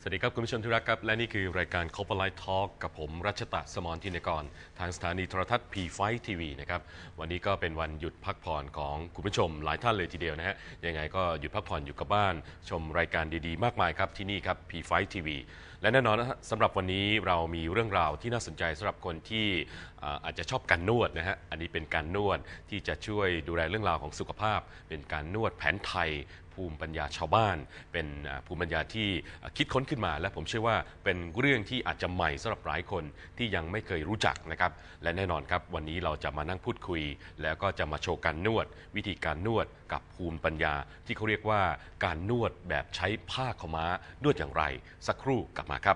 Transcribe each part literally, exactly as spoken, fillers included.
วัสดีครับคุณผู้ชมที่รักครับและนี่คือรายการ Corporate Talk กับผมรัชตะสมรธินกรทางสถานีโทรทัศน์ พี ไฟว์ ที วี นะครับวันนี้ก็เป็นวันหยุดพักผ่อนของคุณผู้ชมหลายท่านเลยทีเดียวนะฮะยังไงก็หยุดพักผ่อนอยู่กับบ้านชมรายการดีๆมากมายครับที่นี่ครับ พี ไฟว์ ที วี และแน่นอนนะสำหรับวันนี้เรามีเรื่องราวที่น่าสนใจสำหรับคนที่อาจจะชอบการนวดนะฮะอันนี้เป็นการนวดที่จะช่วยดูแลเรื่องราวของสุขภาพเป็นการนวดแผนไทยภูมิปัญญาชาวบ้านเป็นภูมิปัญญาที่คิดค้นขึ้นมาและผมเชื่อว่าเป็นเรื่องที่อาจจะใหม่สำหรับหลายคนที่ยังไม่เคยรู้จักนะครับและแน่นอนครับวันนี้เราจะมานั่งพูดคุยแล้วก็จะมาโชว์การนวดวิธีการนวดกับภูมิปัญญาที่เขาเรียกว่าการนวดแบบใช้ผ้าขาวม้านวดอย่างไรสักครู่กลับมาครับ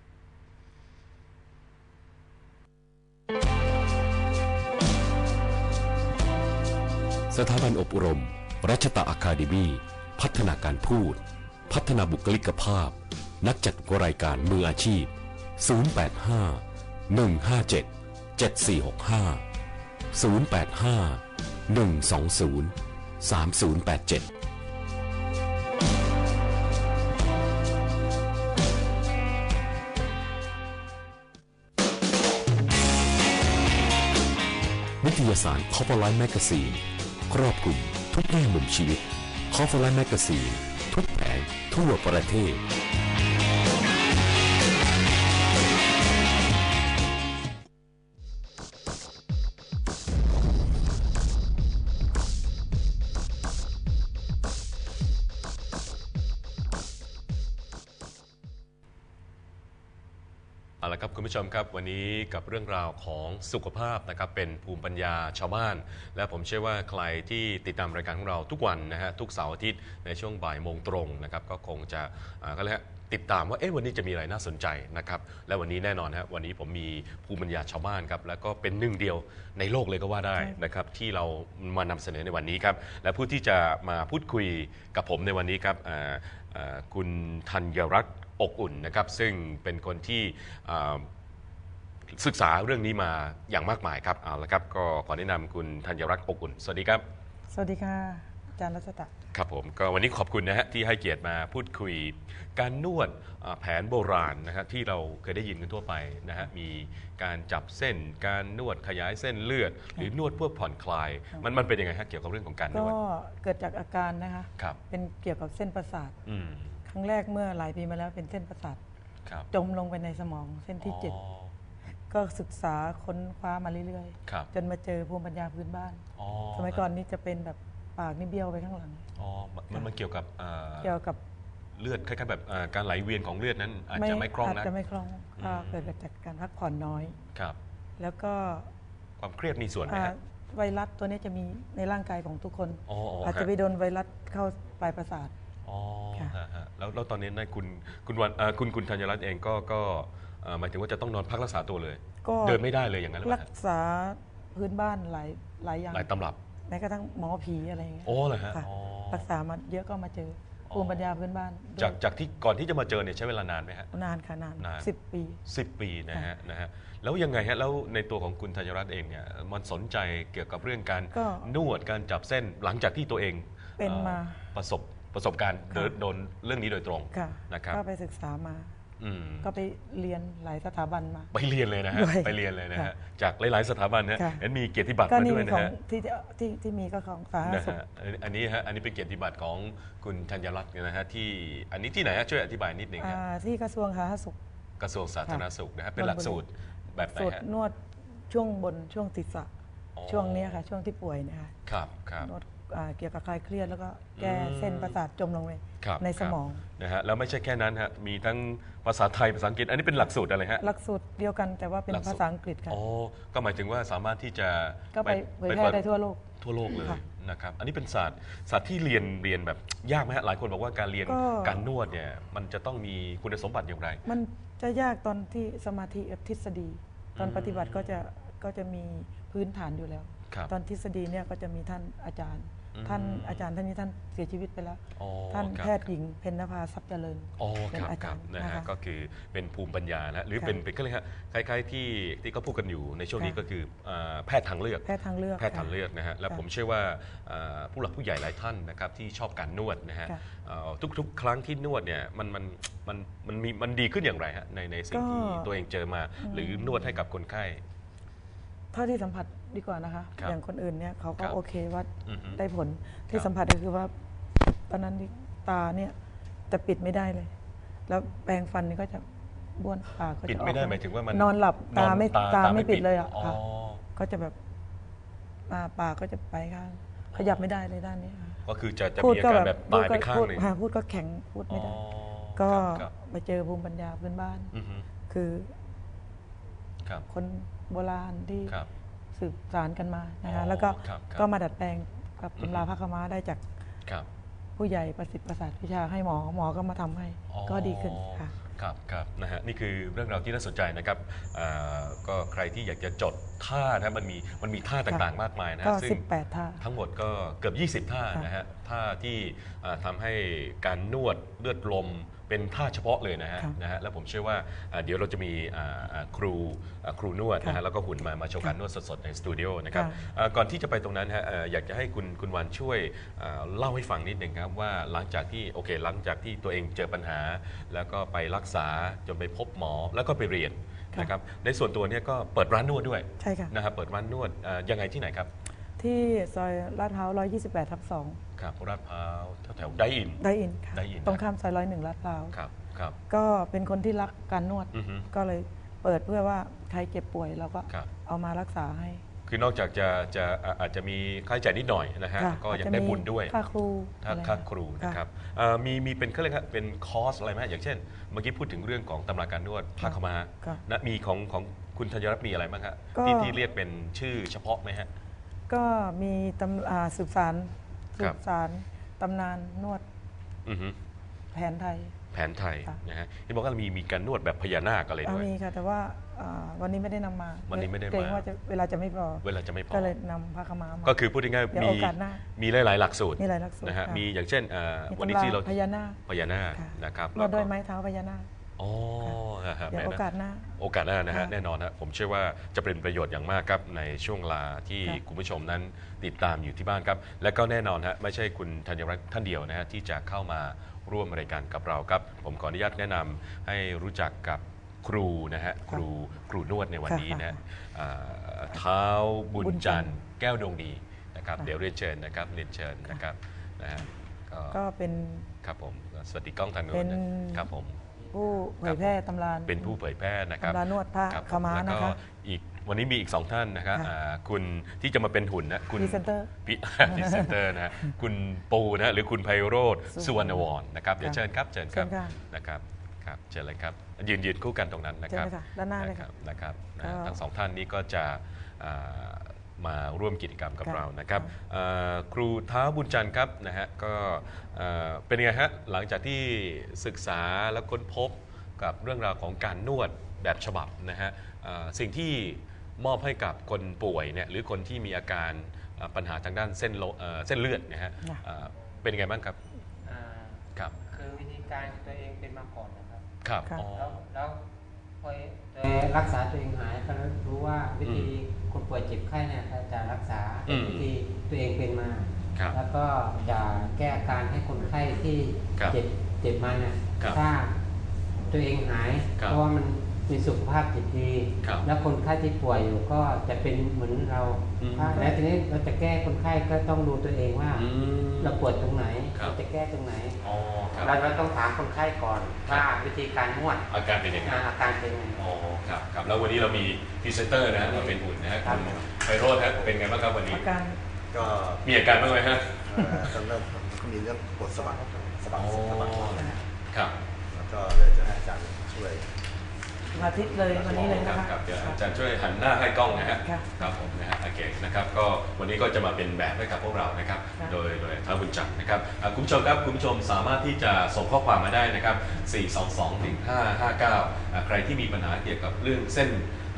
สถาบันอบรมรัชตะอะคาเดมี่พัฒนาการพูดพัฒนาบุคลิกภาพนักจัดรายการมืออาชีพศูนย์ แปด ห้า หนึ่ง ห้า เจ็ด เจ็ด สี่ หก ห้า ศูนย์ แปด ห้า หนึ่ง สอง ศูนย์ สาม ศูนย์ แปด เจ็ดนิตยสาร Corporate Magazine ครอบคลุมทุกแง่มุมชีวิต Corporate Magazine ทุกแผงทั่วประเทศเอาละครับคุณผู้ชมครับวันนี้กับเรื่องราวของสุขภาพนะครับเป็นภูมิปัญญาชาวบ้านและผมเชื่อว่าใครที่ติดตามรายการของเราทุกวันนะฮะทุกเสาร์อาทิตย์ในช่วงบ่ายโมงตรงนะครับก็คงจะก็เลยติดตามว่าเอ๊ะวันนี้จะมีอะไรน่าสนใจนะครับและวันนี้แน่นอนฮะวันนี้ผมมีภูมิปัญญาชาวบ้านครับแล้วก็เป็นหนึ่งเดียวในโลกเลยก็ว่าได้นะครับที่เรามานำเสนอในวันนี้ครับและผู้ที่จะมาพูดคุยกับผมในวันนี้ครับคุณธัญรัตน์อกอุ่นนะครับซึ่งเป็นคนที่ศึกษาเรื่องนี้มาอย่างมากมายครับเอาละครับก็ขอแนะนำคุณธัญรัตน์อกอุ่นสวัสดีครับสวัสดีค่ะอาจารย์รัชตะครับผมก็วันนี้ขอบคุณนะฮะที่ให้เกียรติมาพูดคุยการนวดแผนโบราณนะฮะที่เราเคยได้ยินกันทั่วไปนะฮะมีการจับเส้นการนวดขยายเส้นเลือดหรือนวดเพื่อผ่อนคลายมันมันเป็นยังไงฮะเกี่ยวกับเรื่องของการนวดก็เกิดจากอาการนะคะครับเป็นเกี่ยวกับเส้นประสาทครั้งแรกเมื่อหลายปีมาแล้วเป็นเส้นประสาทจมลงไปในสมองเส้นที่เจ็ดก็ศึกษาค้นคว้ามาเรื่อยๆจนมาเจอภูมิปัญญาพื้นบ้านสมัยก่อนนี้จะเป็นแบบปากนี่เบี้ยวไปข้างหลังอ๋อมันมันเกี่ยวกับเกี่ยวกับเลือดคล้ายๆแบบการไหลเวียนของเลือดนั้นอาจจะไม่คล่องนะอาจจะไม่คล่องเกิดจากการพักผ่อนน้อยครับแล้วก็ความเครียดมีส่วนไหมฮะไวรัสตัวนี้จะมีในร่างกายของทุกคนอาจจะไปโดนไวรัสเข้าปลายประสาทอ๋อแล้วแล้วตอนนี้นายคุณคุณวันคุณคุณธัญรัตน์เองก็ก็หมายถึงว่าจะต้องนอนพักรักษาตัวเลยเดินไม่ได้เลยอย่างนั้นรักษาพื้นบ้านหลายหลายอย่างหลายตำรับแม้กระทั่งหมอผีอะไรอย่างเงี้ยโอ้เหรอฮะรักษามาเยอะก็มาเจอภูมิปัญญาพื้นบ้านจากจากที่ก่อนที่จะมาเจอเนี่ยใช้เวลานานไหมฮะนานค่ะนานสิบปีสิบปีนะฮะนะฮะแล้วยังไงฮะแล้วในตัวของคุณธัญรัตน์เองเนี่ยมันสนใจเกี่ยวกับเรื่องการนวดการจับเส้นหลังจากที่ตัวเองเป็นมาประสบประสบการณ์โดนเรื่องนี้โดยตรงนะครับก็ไปศึกษามาก็ไปเรียนหลายสถาบันมาไปเรียนเลยนะฮะไปเรียนเลยนะฮะจากหลายๆสถาบันนะเห็นมีเกียรติบัตรมาด้วยนะฮะที่ที่ที่มีก็ของสาธารณสุขอันนี้ฮะอันนี้เป็นเกียรติบัตรของคุณธัญรัตน์นะฮะที่อันนี้ที่ไหนฮะช่วยอธิบายนิดนึงฮะที่กระทรวงสาธารณสุขกระทรวงสาธารณสุขนะฮะเป็นหลักสูตรแบบไหนฮะนวดช่วงบนช่วงศีรษะช่วงนี้ค่ะช่วงที่ป่วยนะคะครับครับนวดเกี่ยวกับคลายเครียดแล้วก็แก้เส้นประสาทจมลงไปในสมองนะฮะแล้วไม่ใช่แค่นั้นฮะมีทั้งภาษาไทยภาษาอังกฤษอันนี้เป็นหลักสูตรอะไรฮะหลักสูตรเดียวกันแต่ว่าเป็นภาษาอังกฤษค่ะอ๋อก็หมายถึงว่าสามารถที่จะก็ไปเผยแพร่ได้ทั่วโลกทั่วโลกเลยนะครับอันนี้เป็นศาสตร์ศาสตร์ที่เรียนเรียนแบบยากไหมฮะหลายคนบอกว่าการเรียนการนวดเนี่ยมันจะต้องมีคุณสมบัติอย่างไรมันจะยากตอนที่สมาธิทฤษฎีตอนปฏิบัติก็จะก็จะมีพื้นฐานอยู่แล้วตอนทฤษฎีเนี่ยก็จะมีท่านอาจารย์ท่านอาจารย์ท่านนี้ท่านเสียชีวิตไปแล้วท่านแพทย์หญิงเพ็ญนภาทรัพย์เจริญเป็นอาจารย์นะฮะก็คือเป็นภูมิปัญญานะหรือเป็นเป็นก็เลยฮะคล้ายๆที่ที่เขาพูดกันอยู่ในช่วงนี้ก็คือแพทย์ทางเลือกแพทย์ทางเลือกแพทย์ทางเลือกนะฮะแล้วผมเชื่อว่าผู้หลักผู้ใหญ่หลายท่านนะครับที่ชอบการนวดนะฮะทุกๆครั้งที่นวดเนี่ยมันมันมันมันมีมันดีขึ้นอย่างไรฮะในในสิ่งที่ตัวเองเจอมาหรือนวดให้กับคนไข้เท่าที่สัมผัสดีกว่านะคะอย่างคนอื่นเนี่ยเขาก็โอเคว่าได้ผลที่สัมผัสก็คือว่าตอนนั้นตาเนี่ยจะปิดไม่ได้เลย แล้วแปรงฟันนี่ก็จะบ้วนปากก็จะปิดไม่ได้หมายถึงว่ามันนอนหลับตาไม่ตาไม่ปิดเลยอ่ะก็จะแบบปากก็จะไปข้างขยับไม่ได้เลยด้านนี้ก็คือจะจะมีอาการแบบตายไปข้างหนึ่งพูดก็แข็งพูดไม่ได้ก็ไปเจอภูมิปัญญาพื้นบ้านคือคนโบราณที่สืบสานกันมานะคะแล้วก็ก็มาดัดแปลงกับตำราพระคม้าได้จากผู้ใหญ่ประสิทธิ์ประสาทวิชาให้หมอหมอก็มาทำให้ก็ดีขึ้นค่ะครับครับนะฮะนี่คือเรื่องราวที่น่าสนใจนะครับก็ใครที่อยากจะจดท่านะมันมีมันมีท่าต่างๆมากมายนะซึ่งสิบแปดท่าทั้งหมดก็เกือบยี่สิบท่านะฮะท่าที่ทำให้การนวดเลือดลมเป็นท่าเฉพาะเลยนะฮะนะฮะแล้วผมเชื่อว่าเดี๋ยวเราจะมีครูครูนวดนะฮะแล้วก็หุ่นมามาโชว์การนวดสดๆในสตูดิโอนะครับก่อนที่จะไปตรงนั้นฮะอยากจะให้คุณคุณวันช่วยเล่าให้ฟังนิดหนึ่งครับว่าหลังจากที่โอเคหลังจากที่ตัวเองเจอปัญหาแล้วก็ไปรักษาจนไปพบหมอแล้วก็ไปเรียนนะครับในส่วนตัวนี้ก็เปิดร้านนวดด้วยใช่ค่ะนะครับเปิดร้านนวดยังไงที่ไหนครับที่ซอยลาดพร้าวหนึ่งร้อยยี่สิบแปดทับสองครับลาดพร้าวแถวๆไดอินไดอินค่ะตรงข้ามซอยร้อยหนึ่งลาดพร้าวครับครับก็เป็นคนที่รักการนวดก็เลยเปิดเพื่อว่าใครเจ็บป่วยเราก็เอามารักษาให้คือนอกจากจะจะอาจจะมีค่าใช้จ่ายนิดหน่อยนะฮะก็ยังได้บุญด้วยค่าครูค่าครูนะครับมีมีเป็นเขาเรียกว่าเป็นคอร์สอะไรไหมอย่างเช่นเมื่อกี้พูดถึงเรื่องของตำราการนวดพาคมานะมีของของคุณธัญรัตน์มีอะไรบ้างครับที่ที่เรียกเป็นชื่อเฉพาะไหมฮะก็มีตำสืบสารสืบสารตำนานนวดแผนไทยแผนไทยนะฮะที่บอกว่ามีมีการนวดแบบพญานาคอะไรด้วยมีค่ะแต่ว่าวันนี้ไม่ได้นำมาวันนี้ไม่ได้มาเกรงว่าเวลาจะไม่พอเวลาจะไม่พอก็เลยนำพระคมามาก็คือพูดง่ายๆมีมีหลายๆหลักสูตรมีหลายหลักสูตรนะฮะมีอย่างเช่นวันนี้ที่เราพญานาคพญานาคนะครับนวดด้วยไม้เท้าพญานาคอ๋อเดี๋ยวโอกาสหน้าโอกาสหน้านะฮะแน่นอนนะผมเชื่อว่าจะเป็นประโยชน์อย่างมากครับในช่วงเวลาที่คุณผู้ชมนั้นติดตามอยู่ที่บ้านครับและก็แน่นอนฮะไม่ใช่คุณธัญรัตน์ท่านเดียวนะฮะที่จะเข้ามาร่วมรายการกับเราครับผมขออนุญาตแนะนำให้รู้จักกับครูนะฮะครูครูนวดในวันนี้นะเท้าบุญจันทร์แก้วดวงดีนะครับเดี๋ยวเรียนเชิญนะครับเรียนเชิญนะครับนะฮะก็เป็นครับผมสวัสดีกล้องทางโน้นครับผมผู้เผยแพร่ตำราเป็นผู้เผยแพร่นะครับตำรานวดผ้าขม้านะคะอีกวันนี้มีอีกสองท่านนะครับคุณที่จะมาเป็นหุ่นนะคุณพรีเซนเตอร์พรีเซนเตอร์นะคุณปูนะหรือคุณไพโรจน์สุวรรณวรนะครับเดี๋ยวเชิญครับเชิญครับนะครับครับเชิญเลยครับยืนยืนคู่กันตรงนั้นนะครับด้านหน้าเลยครับนะครับทั้งสองท่านนี้ก็จะมาร่วมกิจกรรมกับเรานะครับครูเท้าบุญจันทร์ครับนะฮะก็เป็นไงฮะหลังจากที่ศึกษาและค้นพบกับเรื่องราวของการนวดแบบฉบับนะฮะสิ่งที่มอบให้กับคนป่วยเนี่ยหรือคนที่มีอาการปัญหาทางด้านเส้นเส้นเลือดนะฮะเป็นยังไงบ้างครับครับคือวิธีการตัวเองเป็นมาก่อนนะครับครับแล้วแล้วพอรักษาตัวเองหายก็รู้ว่าวิธีคนป่วยเจ็บไข้เนี่ยจะรักษาวิธีตัวเองเป็นมาแล้วก็จะแก้อาการให้คนไข้ที่เจ็บเจ็บมาเนี่ยถ้าตัวเองหายเพราะว่ามันมีสุขภาพจิตดีแล้วคนไข้ที่ป่วยอยู่ก็จะเป็นเหมือนเราแล้วทีนี้เราจะแก้คนไข้ก็ต้องดูตัวเองว่าเราปวดตรงไหนเราจะแก้ตรงไหนเราเราต้องถามคนไข้ก่อนว่าวิธีการนวดอาการเป็นยังไงอาการเป็นยังไงอ๋อครับครับแล้ววันนี้เรามีพรีเซนเตอร์นะเราเป็นหุ่นนะฮะคุณไพโรจน์ครับเป็นไงบ้างครับวันนี้อาการก็มีอาการบ้างไหมฮะตอนเริ่มก็มีเรื่องปวดสะบักสะบักสะบักครับแล้วก็เลยจะให้อาจารย์ช่วยมาทิศเลยวันนี้เลยนะคะครับเดี๋ยวอาจารย์ช่วยหันหน้าให้กล้องนะฮะครับผมนะฮะโอเคนะครับก็วันนี้ก็จะมาเป็นแบบให้กับพวกเรานะครับโดยโดยท้าวบุญจันทร์นะครับคุณผู้ชมครับคุณผู้ชมสามารถที่จะส่งข้อความมาได้นะครับสี่ สอง สอง หนึ่ง ห้า ห้า เก้าใครที่มีปัญหาเกี่ยวกับเรื่องเส้น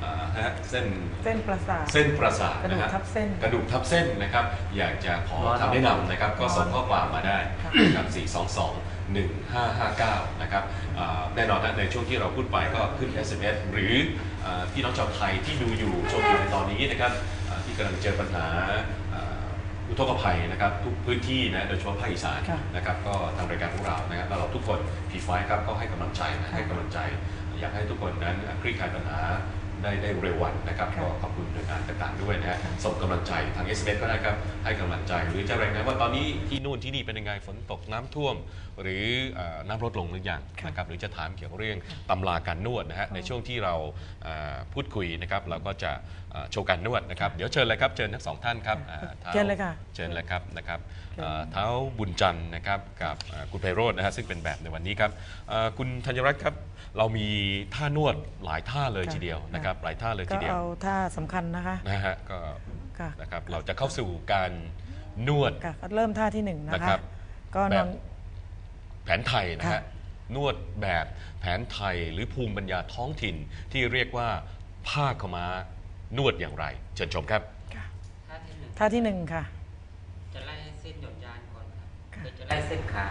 ฮะเส้นเส้นประสาทเส้นประสาทกระดูนะกฮะทับเส้นกระดูกทับเส้นนะครับอยากจะขอคำแนะนำนะครับก็ส่งข้อความมาได้นะครับสี่ สอง สอง หนึ่ง ห้า ห้า เก้านะครับแน่นอนนะในช่วงที่เราพูดไปก็ขึ้น เอส เอ็ม เอส หรือพี่น้องชาวไทยที่ดูอยู่ชมอยู่ในตอนนี้นะครับที่กำลังเจอปัญหาอุทกภัยนะครับทุกพื้นที่นะโดยเฉพาะภาคอีสานนะครับก็ทางรายการของเรานะครับแล้วเราทุกคน พี ไฟว์ ครับก็ให้กำลังใจนะให้กำลังใจอยากให้ทุกคนนั้นคลี่คลายปัญหาได้ได้เร็ววันนะครับก็ขอบคุณหน่วยงานต่างๆด้วยนะฮะส่งกำลังใจทาง เอส เอ็ม เอส ก็ได้ครับให้กำลังใจหรือจะรายงานว่าตอนนี้ที่นู่นที่นี่เป็นยังไงฝนตกน้ำท่วมหรือน้ำลดลงหรือยังนะครับหรือจะถามเกี่ยวกับเรื่องตำราการนวดนะฮะในช่วงที่เราพูดคุยนะครับเราก็จะโชว์การนวดนะครับเดี๋ยวเชิญเลยครับเชิญทั้งสองท่านครับเชิญเลยค่ะเชิญเลยครับนะครับเท้าบุญจันทร์นะครับกับคุณไพโรจน์นะฮะซึ่งเป็นแบบในวันนี้ครับคุณธัญรัตน์ครับเรามีท่านวดหลายท่าเลยทีเดียวนะครับหลายท่าเลยทีเดียวก็เอาท่าสำคัญนะคะนะฮะก็นะครับเราจะเข้าสู่การนวดเริ่มท่าที่หนึ่งนะคะก็นอนแผนไทยนะฮะนวดแบบแผนไทยหรือภูมิปัญญาท้องถิ่นที่เรียกว่าผ้าขม้านวดอย่างไรเชิญชมครับท่าที่หนึ่งค่ะจะไล่เส้นหย่อนยานก่อนครับจะไล่เส้นขา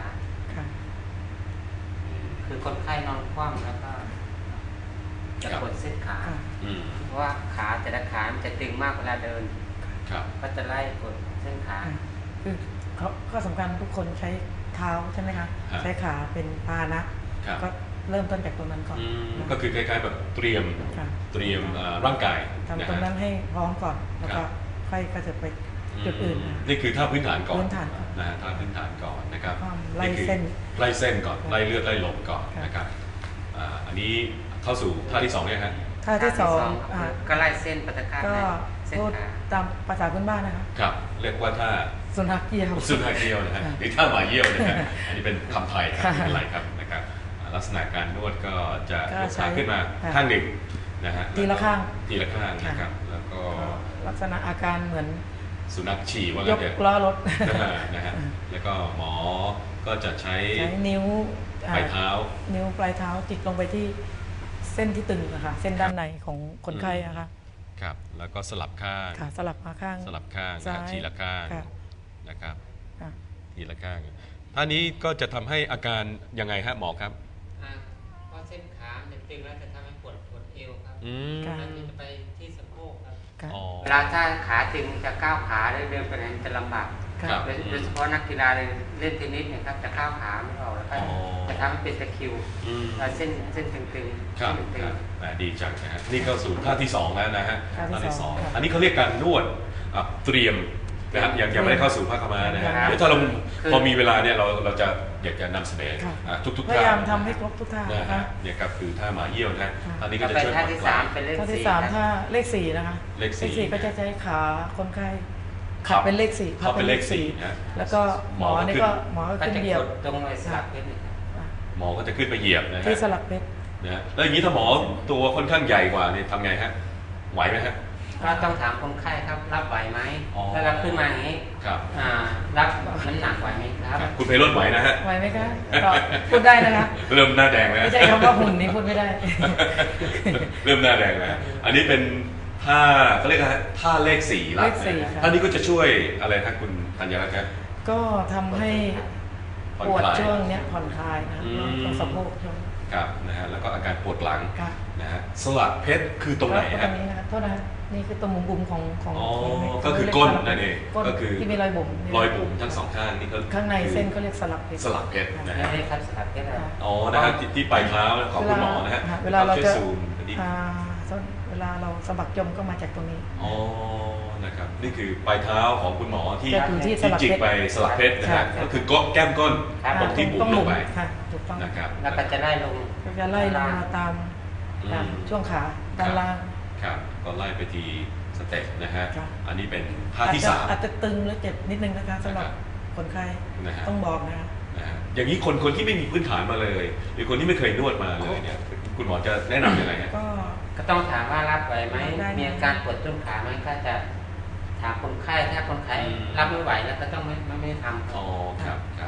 คือคนไข้นอนคว่ำแล้วก็จะกดเส้นขาเพราะว่าขาแต่ละขามันจะตึงมากเวลาเดินก็จะไล่กดเส้นขาคือเขาก็สำคัญทุกคนใช้เท้าใช่ไหมคะใช้ขาเป็นพาหนะก็เริ่มต้นจากตรงนั้นก่อนก็คือคล้ายๆแบบเตรียมเตรียมร่างกายทำตรงนั้นให้พร้อมก่อนแล้วก็ค่อยก็จะไปจุดอื่นนี่คือท่าพื้นฐานก่อนพื้นฐานนะฮะท่าพื้นฐานก่อนนะครับไล่เส้นไล่เส้นก่อนไล่เลือดไล่ลมก่อนนะครับอันนี้เข้าสู่ท่าที่สองเนี่ยฮะท่าที่สองก็ไล่เส้นปฏิฆาก็พูดตามภาษาพื้นบ้านนะคะครับเรียกว่าท่าสุนัขเยี่ยวสุนัขเยี่ยวนะฮะหรือท่าหมาเยี่ยวนะฮะอันนี้เป็นคำไทยครับไม่เป็นไรครับนะครับลักษณะการนวดก็จะยกขาขึ้นมาข้างหนึ่งนะฮะทีละข้างทีละข้างนะครับแล้วก็ลักษณะอาการเหมือนสุนัขฉี่ว่างั้นเถอะยกล้อรถนะฮะแล้วก็หมอก็จะใช้นิ้วปลายเท้านิ้วปลายเท้าจิกลงไปที่เส้นที่ตึงนะคะเส้นด้านในของคนไข้นะคะครับแล้วก็สลับข้างสลับมาข้างสลับข้างทีละข้างนะครับทีละข้างท่านี้ก็จะทำให้อาการยังไงฮะหมอครับเพราะเส้นขาจะตึงแล้วจะทำให้ปวดปวดเอวครับแล้วจะไปที่สะโพกครับเวลาถ้าขาตึงจะก้าวขาเดินไปไหนจะลำบากโดยเฉพาะนักกีฬาเล่นเทนนิสเนี่ยครับจะก้าวขาไม่ออกแล้วก็จะทำให้เป็นตะคริวเส้นเส้นตึงๆครับดีจังนะฮะนี่เข้าสู่ท่าที่สองแล้วนะฮะท่าที่สองอันนี้เขาเรียกการนวดเตรียมนะครับยังยังไม่ได้เข้าสู่ผ้าขม้านะฮะเดี๋ยวถ้าเราพอมีเวลาเนี่ยเราเราจะอยากจะนำเสนอทุกทุกท่าพยายามทำให้ครบทุกท่านะคะเนี่ยครับคือท่าหมาเยี่ยวนะท่านี้ก็จะช่วยผ่อนคลายท่าที่สามท่าเลขสี่นะคะเลขสี่ก็จะใช้ขาคนไข้ขับเป็นเลขสี่ขับเป็นเลขสี่แล้วก็หมอนี่ก็หมอก็ขึ้นเหยียบตรงไอ้สลักเพชรหมอก็จะขึ้นไปเหยียบนะฮะที่สลักเพชรนะแล้วอย่างนี้ถ้าหมอตัวค่อนข้างใหญ่กว่านี่ทำไงฮะไหวไหมฮะก็ต้องถามคนไข้ครับรับไหวไหมถ้ารับขึ้นมาอย่างนี้รับน้ำหนักไหวไหมครับคุณไพโรจน์ไหวนะฮะไหวไหมคะพูดได้นะคะเริ่มหน้าแดงแล้วไม่ใช่คำว่าหุ่นนี้พูดไม่ได้เริ่มหน้าแดงแล้วอันนี้เป็นท่าเขาเรียกว่าท่าเลขสี่เลขสี่ท่านี้ก็จะช่วยอะไรครับคุณธัญรัตน์ครับก็ทำให้ปวดช่วงนี้ผ่อนคลายนะตรงสะโพกช่วงครับนะฮะแล้วก็อาการปวดหลังนะฮะสลักเพชรคือตรงไหนฮะตรงนี้นะโทษนะนี่คือตรงมุมบุมของของก็คือก้นนั่นเองก็คือที่มีรอยบุ๋มรอยบุ๋มทั้งสองข้างนี่ก็ข้างในเส้นเขาเรียกสลักเพชรสลักเพชรนะฮะครับสลักเพชรอ๋อนะฮะที่ปลายเท้าของคุณหมอนะฮะเวลาเราจะเวลาเราสะบักจมก็มาจากตรงนี้อ๋อนะครับนี่คือปลายเท้าของคุณหมอที่ที่จิกไปสลักเพชรนะฮะก็คือก้นแก้มก้นตรงที่บุ๋มลงไปนะครับแล้วก็จะไล่ลงจะไล่ลงมาตามตามช่วงขาด้านล่างครับก็ไล่ไปทีสเต็ปนะฮะอันนี้เป็นท่าที่สามอาจจะตึงและเจ็บนิดนึงนะคะสำหรับคนไข้ต้องบอกนะอย่างนี้คนคนที่ไม่มีพื้นฐานมาเลยหรือคนที่ไม่เคยนวดมาเลยเนี่ยคุณหมอจะแนะนำยังไงฮะก็ก็ต้องถามว่ารับไหวไหมมีอาการปวดต้นขาไหมก็จะถามคนไข้ถ้าคนไข้รับไม่ไหวแล้วก็ต้องไม่ไม่ทำอ๋อครับครับ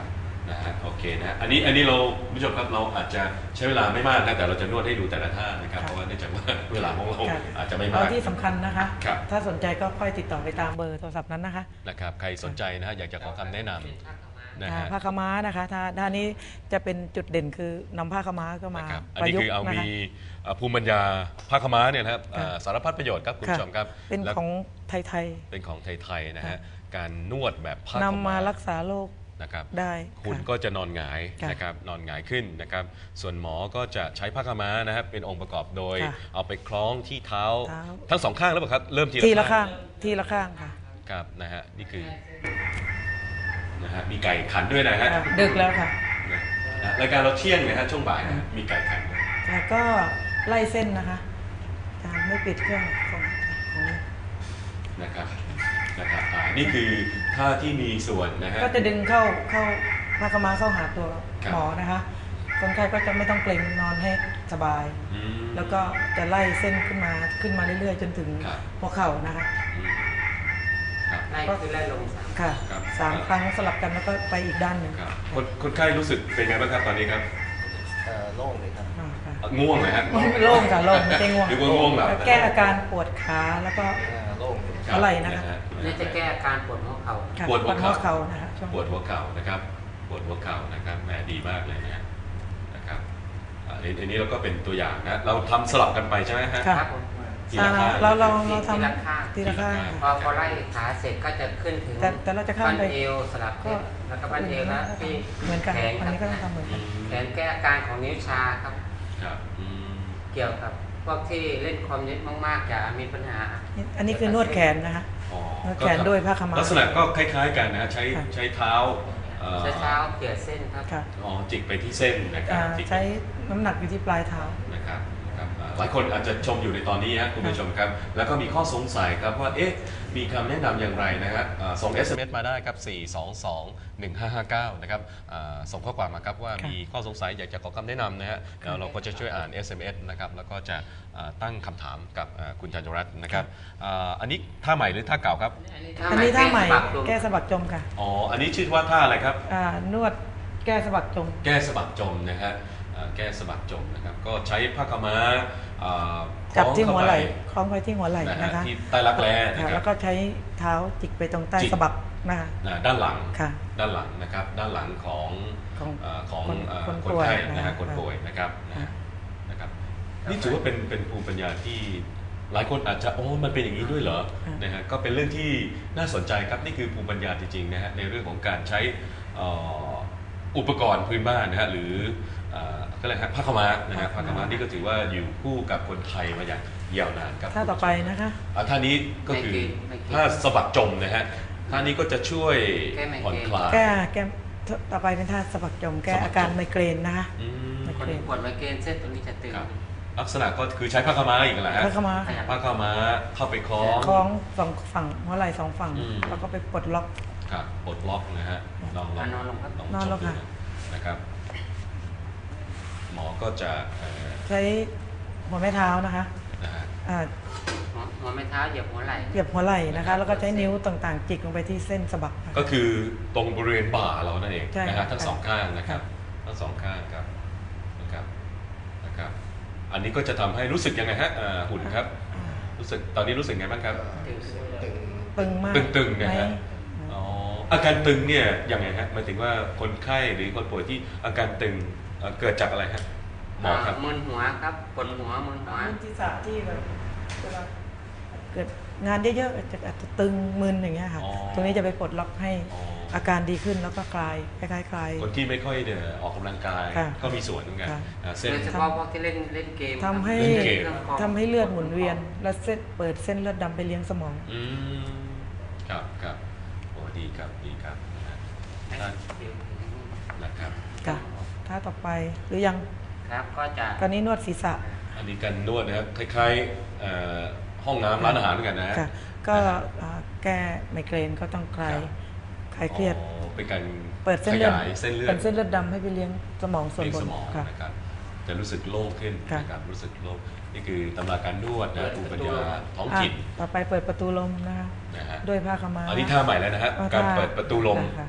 นะฮะโอเคนะอันนี้อันนี้เราผู้ชมครับเราอาจจะใช้เวลาไม่มากนะแต่เราจะนวดให้ดูแต่ละท่านะครับเพราะว่าเนื่องจากว่าเวลาของเราอาจจะไม่มากที่สำคัญนะคะ ถ้าสนใจก็ค่อยติดต่อไปตามเบอร์โทรศัพท์นั้นนะคะนะครับใครสนใจนะฮะอยากจะขอคำแนะนำนะฮะผ้าขม้านะคะท่าท่านี้จะเป็นจุดเด่นคือนำผ้าขม้าก็มาอันนี้คือเอามีภูมิปัญญาผ้าขม้าเนี่ยนะครับสารพัดประโยชน์ครับคุณผู้ชมครับเป็นของไทยๆเป็นของไทยๆนะฮะการนวดแบบผ้าขม้านำมารักษาโรคนะครับได้คุณก็จะนอนหงายนะครับนอนหงายขึ้นนะครับส่วนหมอก็จะใช้ผ้าขม้านะครับเป็นองค์ประกอบโดยเอาไปคล้องที่เท้าทั้งสองข้างแล้วเปล่าครับเริ่มทีละข้างทีละข้างค่ะครับนะฮะนี่คือนะฮะมีไก่ขันด้วยนะฮะดึกแล้วค่ะรายการเราเที่ยงนะฮะช่วงบ่ายนะมีไก่ขันแล้วก็ไล่เส้นนะคะจานไม่ปิดเครื่องของของนะครับนะครับนี่คือท่าที่มีส่วนนะฮะก็จะดึงเข้าเข้าผ้าขม้าเข้าหาตัวหมอนะคะคนไข้ก็จะไม่ต้องเกร็งนอนให้สบายแล้วก็จะไล่เส้นขึ้นมาขึ้นมาเรื่อยๆจนถึงหัวเข่านะคะไล่คือไล่ลงสามค่ะสามครั้งสลับกันแล้วก็ไปอีกด้านหนึ่งคนคนไข้รู้สึกเป็นไงบ้างครับตอนนี้ครับโล่งเลยครับง่วงไหมฮะโล่งค่ะโล่งไม่ใช่ง่วงหรือว่าง่วงแบบแก้อาการปวดขาแล้วก็โล่งอะไรนะคะนี่จะแก้อาการปวดหัวเข่าปวดหัวเข่านะคะปวดหัวเข่านะครับปวดหัวเข่านะครับแหมดีมากเลยนะนะครับอันนี้เราก็เป็นตัวอย่างนะเราทำสลับกันไปใช่ไหมฮะครับเราเราเราทำทีละข้างพอพอไล่ขาเสร็จก็จะขึ้นถึงแต่เราจะข้ามไปเอวสลับก็แล้วก็บั้นเอวนะที่เหมือนกันอันนี้ก็ต้องทำเหมือนกันแขนแก้อาการของนิ้วชาครับเกี่ยวกับพวกที่เล่นคอมเยอะมากๆจะมีปัญหาอันนี้คือนวดแขนนะคะนวดแขนด้วยผ้าขม้าลักษณะก็คล้ายๆกันนะใช้ใช้เท้าใช้เท้าเกี่ยวเส้นครับอ๋อจิกไปที่เส้นนะครับใช้น้ำหนักอยู่ที่ปลายเท้านะครับหลายคนอาจจะชมอยู่ในตอนนี้ครับคุณผู้ชมครับแล้วก็มีข้อสงสัยครับว่าเอ๊ะมีคำแนะนำอย่างไรนะฮะส่ง เอส เอ็ม เอส มาได้ครับสี่ สอง สอง หนึ่ง ห้า ห้า เก้านะครับส่งข้อความมาครับว่ามีข้อสงสัยอยากจะขอคำแนะนำนะฮะแล้วเราก็จะช่วยอ่าน เอส เอ็ม เอส นะครับแล้วก็จะตั้งคำถามกับคุณจันทรัตน์นะครับอันนี้ท่าใหม่หรือท่าเก่าครับอันนี้ท่าใหม่แก้สะบักจมค่ะอ๋ออันนี้ชื่อว่าท่าอะไรครับนวดแก้สะบักจมแก้สะบักจมนะฮะแก้สะบักจมนะครับก็ใช้ผ้าขม้าจับที่หัวไหล่คล้องไว้ที่หัวไหล่นะคะที่ใต้รักแร้นะครับแล้วก็ใช้เท้าจิกไปตรงใต้สะบักนะคะด้านหลังค่ะด้านหลังนะครับด้านหลังของของคนไข้นะฮะคนป่วยนะครับนะครับนี่ถือว่าเป็นเป็นภูมิปัญญาที่หลายคนอาจจะโอ้มันเป็นอย่างนี้ด้วยเหรอนะฮะก็เป็นเรื่องที่น่าสนใจครับนี่คือภูมิปัญญาจริงๆนะฮะในเรื่องของการใช้อุปกรณ์พื้นบ้านนะฮะหรือก็เลยฮะผ้าขม้านะฮะผ้าขม้านี่ก็ถือว่าอยู่คู่กับคนไทยมาอย่างยาวนานครับท่าต่อไปนะคะท่านี้ก็คือท่าสะบักจมนะฮะท่านี้ก็จะช่วยผ่อนคลายแก้แก้ต่อไปเป็นท่าสะบักจมแก้อาการไมเกรนนะคะคนปวดไมเกรนเส้นตรงนี้จะตึงลักษณะก็คือใช้ผ้าขม้าอีกแหละฮะผ้าขม้าผ้าขม้าเข้าไปคล้องคล้องสองฝั่งหัวไหล่สองฝั่งแล้วก็ไปปลดล็อกครับปลดล็อกนะฮะลองลองนอนลงครับนอนลงค่ะนะครับหมอก็จะใช้หัวแม่เท้านะคะหัวแม่เท้าเหยียบหัวไหล่เหยียบหัวไหล่นะคะแล้วก็ใช้นิ้วต่างๆจิกลงไปที่เส้นสะบักก็คือตรงบริเวณบ่าเรานั่นเองนะฮะทั้งสองข้างนะครับทั้งสองข้างครับนะครับนะครับอันนี้ก็จะทำให้รู้สึกยังไงฮะหุ่นครับรู้สึกตอนนี้รู้สึกไงบ้างครับตึงมากตึงๆนะฮะอ๋ออาการตึงเนี่ยยังไงฮะหมายถึงว่าคนไข้หรือคนป่วยที่อาการตึงเกิดจากอะไรครับหมอครับมึนหัวครับปวดหัวมึนหัวมึนที่สะที่แบบเกิดงานเยอะๆจะอาจจะตึงมึนอย่างเงี้ยค่ะตรงนี้จะไปปลดล็อกให้อาการดีขึ้นแล้วก็คลายคล้ายๆคลายคนที่ไม่ค่อยเดินออกกำลังกายก็มีส่วนเหมือนกันเส้นเฉพาะพวกที่เล่นเล่นเกมทำให้ทำให้เลือดหมุนเวียนและเส้นเปิดเส้นเลือดดำไปเลี้ยงสมองอืมครับครับโอ้ดีครับดีครับนะครับค่ะท่าต่อไปหรือยังครับก็จะตอนนี้นวดศีรษะอันนี้การนวดนะครับคล้ายๆห้องน้ำร้านอาหารเหมือนกันนะค่ะก็แก้ไมเกรนก็ต้องคลายคลายเครียดเป็นการเปิดเส้นเลือดเส้นเลือดเป็นเส้นเลือดดำให้ไปเลี้ยงสมองส่วนบนนะครับจะรู้สึกโล่งขึ้นนะครับรู้สึกโล่งนี่คือตำราการนวดนะภูมิปัญญาท้องถิ่นต่อไปเปิดประตูลมนะคะด้วยผ้าขม้าอันนี้ท่าใหม่แล้วนะฮะการเปิดประตูลม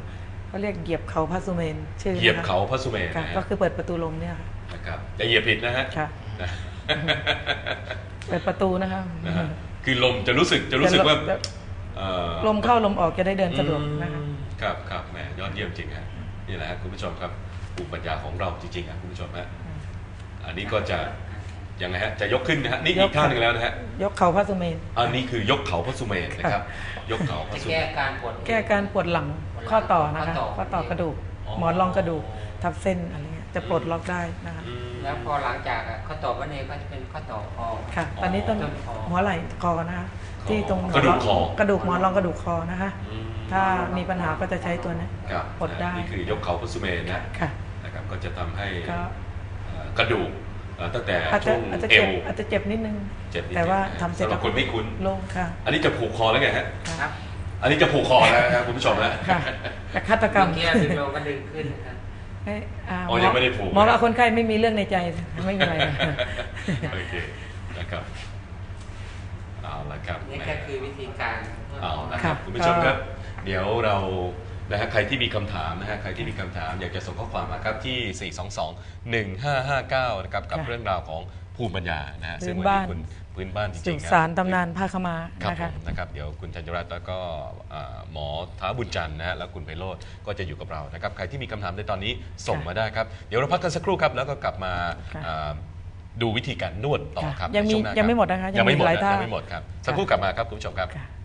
เขาเรียกเหยียบเขาพระสุเมนชื่อเหยียบเขาพระสุเมนค่ะนะฮะก็คือเปิดประตูลมเนี่ยค่ะนะครับอย่าเหยียบผิดนะฮะค่ะนะเปิดประตูนะคะนะฮะคือลมจะรู้สึกจะรู้สึกว่าจะเอ่อลมเข้าลมออกจะได้เดินสะดวกนะคะอืมครับครับแหมยอดเยี่ยมจริงฮะนี่แหละฮะคุณผู้ชมครับภูมิปัญญาของเราจริงๆอ่ะคุณผู้ชมฮะอันนี้ก็จะยังไงฮะจะยกขึ้นนะฮะนี่อีกท่าหนึ่งแล้วนะฮะยกเขาพระสุเมนอันนี้คือยกเขาพระสุเมนนะครับ ยกเขาพจะระสุเมแก้นการปวดแก้การปวดหลังข้อต่อนะคะข้อต่อข้อต่อกระดูกอ๋อหมอนรองกระดูกทับเส้นอะไรเงี้ยจะปลดล็อกได้นะคะอืมแล้วพอหลังจากอ่ะข้อต่อวันเองก็จะเป็นข้อต่อคอค่ะ ตอนนี้ต้นต้นคอหัวไหล่คอนะคะ ที่ตรงกระดูกคอกระดูกหมอนรองกระดูกคอนะคะอืมถ้ามีปัญหาก็จะใช้ตัวนี้ครับปลดได้นี่คือยกเขาพระสุเมนนะค่ะนะครับก็จะทำให้ก็เอ่อกระดูกเอ่อตั้งแต่อาจช่จะวงอาจจะเอเจ็บวอาจจะเจ็บนิดนึงเจ็บนิดแต่ว่านึงทำเสร็จสำหรับคนไม่คุ้นโล่งค่ะอันนี้จะผูกคอแล้วไงฮะครับอันนี้จะผูกคอแล้วนะครับคุณผู้ชมนะค่ะแต่ฆาตกรรมเมื่อกี้ดึงลงก็ดึงขึ้นนะครับให้าอ๋อยังไม่ได้ผูกหมอว่าคนไข้ไม่มีเรื่องในใจไม่มีอะไรโอเคนะครับเอาละครับนี่ก็คือวิธีการเอาละคครัรับบ คุณผู้ชมครับ เดี๋ยวเรานะฮะใครที่มีคำถามนะฮะใครที่มีคำถาม อยากจะส่งข้อความมาครับที่ สี่ สอง สอง หนึ่ง ห้า ห้า เก้า นะครับกับค่ะเรื่องราวของภูมิปัญญานะฮะพื้นซึ่งวันบ้านี้นคุณพื้นบ้านจริงๆสุคบสานตำนานผ้าขาวมาครับนะผคะมนะครับเดี๋ยวคุณธัญรัตน์แล้วก็อ่าหมอท้าบุญจันทร์นะฮะแล้วคุณไพโรจน์ก็จะอยู่กับเรานะครับใครที่มีคำถามในตอนนี้ส่งมาได้ครับเดี๋ยวเราพักกันสักครู่ครับแล้วก็กลับมาค่ะอ่าดูวิธีการนวดต่อครับยังมีในช่วหน้ายังไม่ครับหมดนะคะยังไม่หมดหลายนะท่ายังไม่หมดครับสักครู่กลับมาครับคุณผู้ชมครับค่ะ